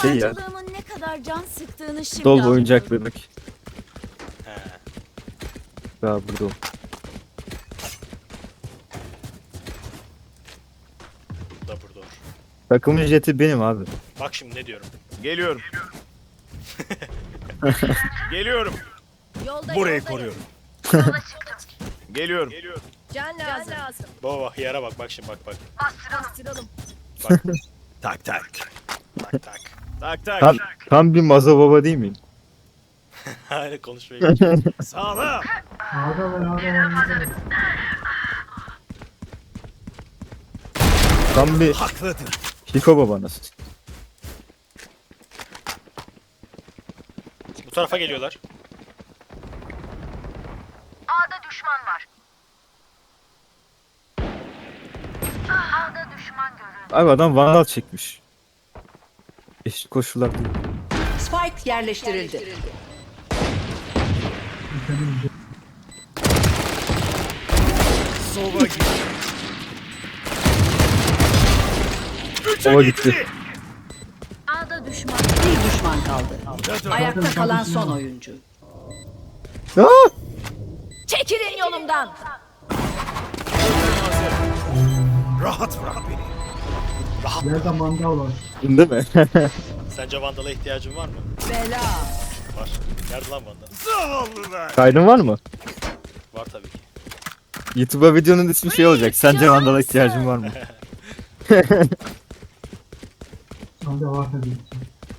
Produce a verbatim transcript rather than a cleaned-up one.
şey ya. Yaratıcılığımın ne kadar can sıktığını şimdi Dol anlıyorum. oyuncak bebek. He. Daha burada o. Bu da burada olur. Takımın jeti benim abi. Bak şimdi ne diyorum. Geliyorum. Geliyorum. Yolda, Burayı yolda, koruyorum. Geliyorum. Can lazım. lazım. Baba bak yara bak bak şimdi bak bak. Bastıralım. Bak Tak tak. tak tak. Tak tak. Tam, tam bir mazo baba değil miyim? Hala konuşmaya geçiyor. Sağla. Ağda var, ağda var, ağda var. Tam bir Haklıdır. Hiko babanız. Bu tarafa geliyorlar. A'da düşman var. A'da düşman görüldü. Abi adam vandal çekmiş. Eşit koşullar değil. Spike yerleştirildi. Sova gitti. Ova gitti. A'da düşman. Bir düşman kaldı. Ayakta kalan son oyuncu. Aa! Çekilin yolumdan. Rahat bırak beni. Yerde mandal var. Değil mi? Sence Vandal'a ihtiyacın var mı? Bela. Var. Nerede lan Vandal? Zavallılar. Kaydın var mı? Var tabii ki. YouTube'a videonun ismi şey olacak. Sence vandala ihtiyacın var mı? Ağda var tabii.